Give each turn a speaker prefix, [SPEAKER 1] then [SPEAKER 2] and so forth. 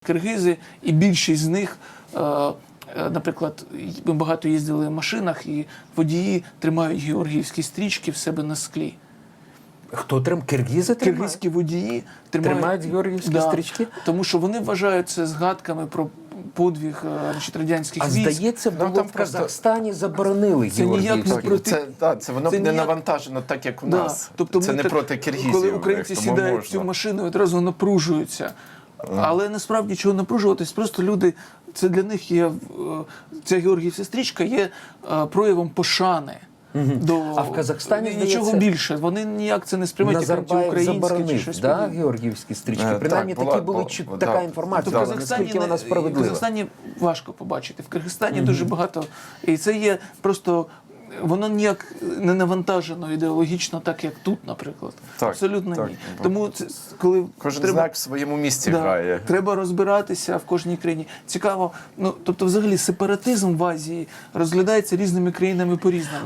[SPEAKER 1] киргизи, і більшість з них, наприклад, ми багато їздили в машинах, і водії тримають георгіївські стрічки в себе на склі.
[SPEAKER 2] Хто киргизи тримають?
[SPEAKER 1] Киргизькі водії
[SPEAKER 2] Тримають георгіївські стрічки?
[SPEAKER 1] Тому що вони вважають це згадками про подвиг радянських військ.
[SPEAKER 2] Здається, було в Казахстані заборонили
[SPEAKER 1] Це ніяк не
[SPEAKER 2] георгіївські.
[SPEAKER 1] проти...
[SPEAKER 3] Це воно не навантажено так, як у нас.
[SPEAKER 1] Тобто
[SPEAKER 3] це не
[SPEAKER 1] так,
[SPEAKER 3] проти киргизів.
[SPEAKER 1] коли українці сідають в цю машину, одразу напружуються. Але насправді чого напружуватись, просто люди, це для них є, ця георгіївська стрічка є проявом пошани.
[SPEAKER 2] А в Казахстані,
[SPEAKER 1] нічого
[SPEAKER 2] здається,
[SPEAKER 1] більше. Вони ніяк це не сприймають як
[SPEAKER 2] Назарбаєв
[SPEAKER 1] антиукраїнське чи
[SPEAKER 2] заборонив,
[SPEAKER 1] щось
[SPEAKER 2] да,
[SPEAKER 1] подібне.
[SPEAKER 2] георгіївські стрічки? Принаймні такі були така інформація,
[SPEAKER 1] Тобто
[SPEAKER 2] наскільки вона
[SPEAKER 1] в
[SPEAKER 2] справедлива.
[SPEAKER 1] Казахстані важко побачити. В Киргизстані дуже багато. І це є просто... Воно ніяк не навантажено ідеологічно, так як тут, наприклад.
[SPEAKER 3] Так,
[SPEAKER 1] абсолютно
[SPEAKER 3] так.
[SPEAKER 1] ні. Тому це, коли
[SPEAKER 3] Кожен знак в своєму місці грає.
[SPEAKER 1] треба розбиратися в кожній країні. Цікаво, тобто взагалі сепаратизм в Азії розглядається різними країнами по-різному.